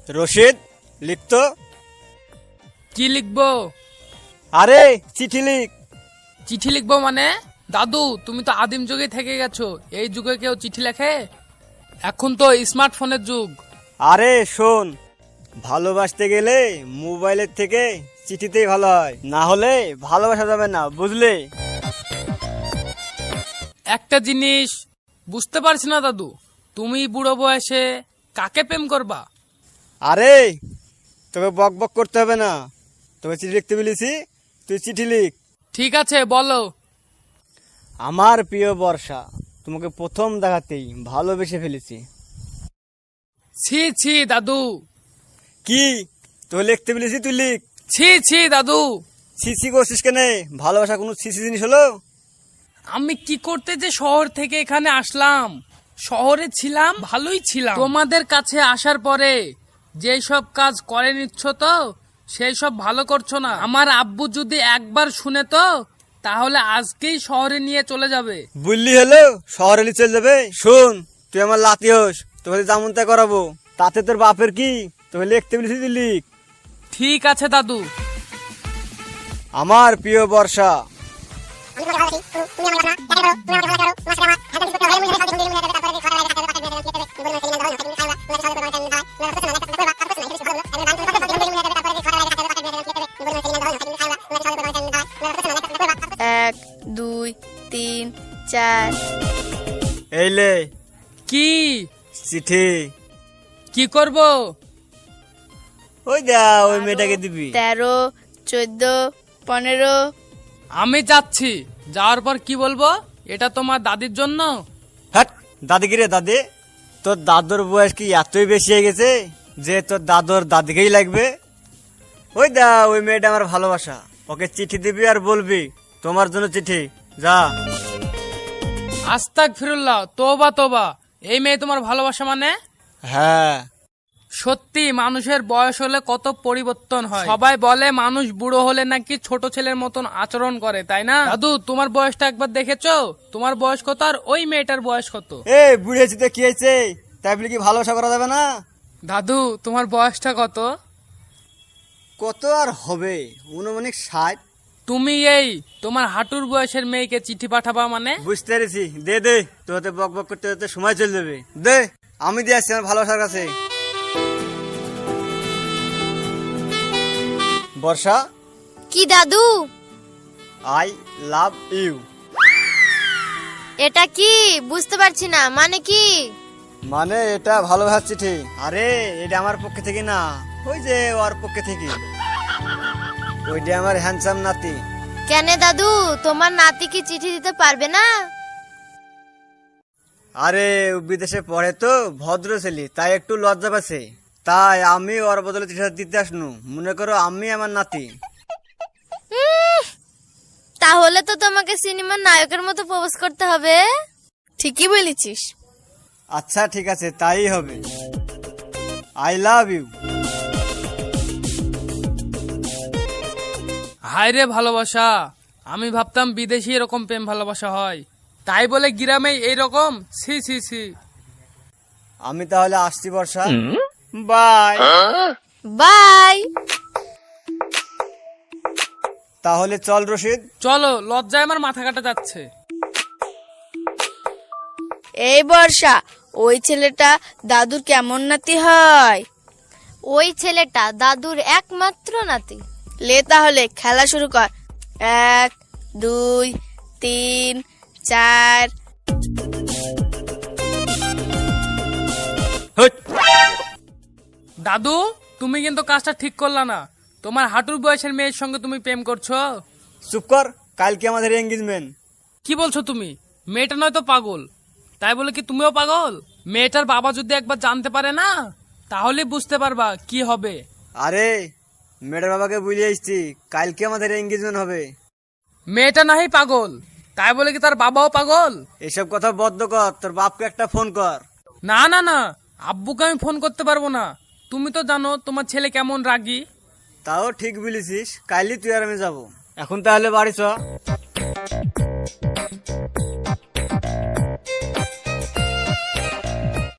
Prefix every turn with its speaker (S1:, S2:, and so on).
S1: রশিদ, লিখতো।
S2: কি লিখবো?
S1: আরে চিঠি লিখ।
S2: চিঠি লিখবো মানে? দাদু, তুমি তো আদিম যুগে থেকে গেছো, এই যুগে কেউ চিঠি লেখে? এখন তো স্মার্টফোনের যুগ।
S1: আরে শোন, ভালোবাসতে গেলে মোবাইলের থেকে চিঠিতেই ভালো হয়, না হলে ভালোবাসা যাবে না, বুঝলে?
S2: একটা জিনিস বুঝতে পারছি না দাদু, তুমি বুড়ো বয়সে কাকে প্রেম করবা?
S1: আরে তোকে বক বক করতে হবে না, তোকে চিঠি লিখতে বলেছি, তুই চিঠি লিখ।
S2: ঠিক আছে, বলো।
S1: আমার প্রিয় বর্ষা, তোমাকে প্রথম দেখাতেই ভালোবেসে ফেলেছি।
S2: ছি ছি দাদু।
S1: কি? তোকে লিখতে বলেছি, তুই লিখ।
S2: ছি ছি দাদু।
S1: ছিছি করছিস কেন? ভালোবাসা কোনো ছিছি জিনিস হলো?
S2: আমি কি করতে যে শহর থেকে এখানে আসলাম, শহরে ছিলাম, ভালোই ছিলাম। তোমাদের কাছে আসার পরে যেই সব কাজ করে নিচ্ছ তো সেই সব ভালো করছো না। আমার আব্বু যদি একবার শুনে তো তাহলে আজকেই শহরে নিয়ে চলে যাবে।
S1: বুঝলি হলো, শহরে নিয়ে চলে যাবে। শোন, তুই আমার লাতি হোস, তোকে যেমন তা করাবো, তাতে তোর বাপের কি? তোকে লিখতে বলেছি, তুই লিখ।
S2: ঠিক আছে দাদু।
S1: আমার প্রিয় বর্ষা,
S3: এক, দুই, তিন, চার।
S1: এই লে
S2: কি?
S1: চিঠি।
S2: কি করব?
S1: ওই দা, ওই মেয়েটাকে দিবি।
S3: 13, 14, 15।
S2: আমি যাচ্ছি, যাওয়ার পর কি বলবো? এটা তোমার দাদির জন্য।
S1: হ্যাট, দাদিকে রে দাদি, তোর দাদুর বয়স কি এতই বেশি হয়ে গেছে যে তোর দাদুর দাদিকেই লাগবে? ওই দা, ওই মেয়েটা আমার ভালোবাসা, ওকে চিঠি দিবি আর বলবি তোমার জন্য চিঠি। যা।
S2: আস্তাগফিরুল্লাহ, তোবা তোবা। এই মেয়ে তোমার ভালোবাসা মানে?
S1: হ্যাঁ।
S2: সত্যি মানুষের বয়স হলে কত পরিবর্তন হয়। সবাই বলে মানুষ বুড়ো হলে নাকি ছোট ছেলের মতন আচরণ করে, তাই না? দাদু, তোমার বয়সটা একবার দেখেছো? তোমার বয়স কত আর ওই মেয়েটার বয়স কত?
S1: এ বুড়েছি তো কি হয়েছে, তাই বলে কি ভালোবাসা করা যাবে না?
S2: দাদু, তোমার বয়সটা কত?
S1: কত আর হবে, অনুমানিক 60।
S2: তুমি এই তোমার হাঁটুর বয়সের মেয়েকে চিঠি পাঠাবা মানে?
S1: বুঝতে পেরেছি, দে দে, তোতে বক বক করতে করতে সময় চলে যাবে। দে, আমি দিয়ে আসছি আমার ভালোবাসার কাছে। বর্ষা,
S3: কি দাদু?
S1: I love you.
S3: এটা কি বুঝতে পারছি না, মানে কি?
S1: মানে এটা ভালোবাসার চিঠি। আরে এটা আমার পক্ষে থেকে না, ওই যে ওর পক্ষে থেকে। ওইটা আমার হ্যান্ডসাম নাতি।
S3: কেন দাদু, তোমার নাতি কি চিঠি দিতে পারবে না?
S1: আরে ও বিদেশে পড়ে তো, ভদ্র ছেলে, তাই একটু লজ্জা পাচ্ছে, তাই আমি ওর বদলে চিঠি দিতে আসনু। মনে করো আমি আমার নাতি।
S3: তাহলে তো তোমাকে সিনেমার নায়কের মতো প্রপোজ করতে হবে। ঠিকই বলেছিস।
S1: আচ্ছা ঠিক আছে, তাই হবে। I love you.
S2: হায় রে ভালোবাসা, আমি ভাবতাম বিদেশি এরকম প্রেম ভালোবাসা হয়, তাই বলে গ্রামে এইরকম? ছি ছি ছি।
S1: আমি তাহলে আসছি বর্ষা, বাই।
S3: বাই।
S1: তাহলে চল রশিদ।
S2: চলো, লজ্জায় আমার মাথা কাটা যাচ্ছে।
S3: এই বর্ষা, ওই ছেলেটা দাদুর কেমন নাতি হয়? ওই ছেলেটা দাদুর একমাত্র নাতি। লে তাহলে খেলা শুরু কর। 1, 2, 3, 4।
S1: হুট।
S2: দাদু, তুমি কিন্তু কাজটা ঠিক করলা না। তোমার হাঁটুর বয়সের মেয়ের সঙ্গে তুমি প্রেম করছো।
S1: চুপ কর, কালকে আমাদের এঙ্গেজমেন্ট।
S2: কি বলছো তুমি? মেয়েটা নয়তো পাগল, তাই বলে কি তুমিও পাগল? মেয়েটার বাবা যদি একবার জানতে পারে না, তাহলে বুঝতে পারবা কি হবে।
S1: আরে মেয়েটার বাবাকে বুঝিয়ে এসছি, কালকে আমাদের এঙ্গেজমেন্ট হবে।
S2: মেয়েটা নাহি পাগল, তাই বলে কি তার বাবাও পাগল?
S1: এসব কথা বদ্ধ কর, তোর বাপকে একটা ফোন কর।
S2: না না না, আব্বুকে আমি ফোন করতে পারবো না। তুমি তো জানো তোমার ছেলে কেমন রাগী।
S1: তাও ঠিক বলেছিস, কালই তুই আর আমি যাবো। এখন তাহলে বাড়ি চ।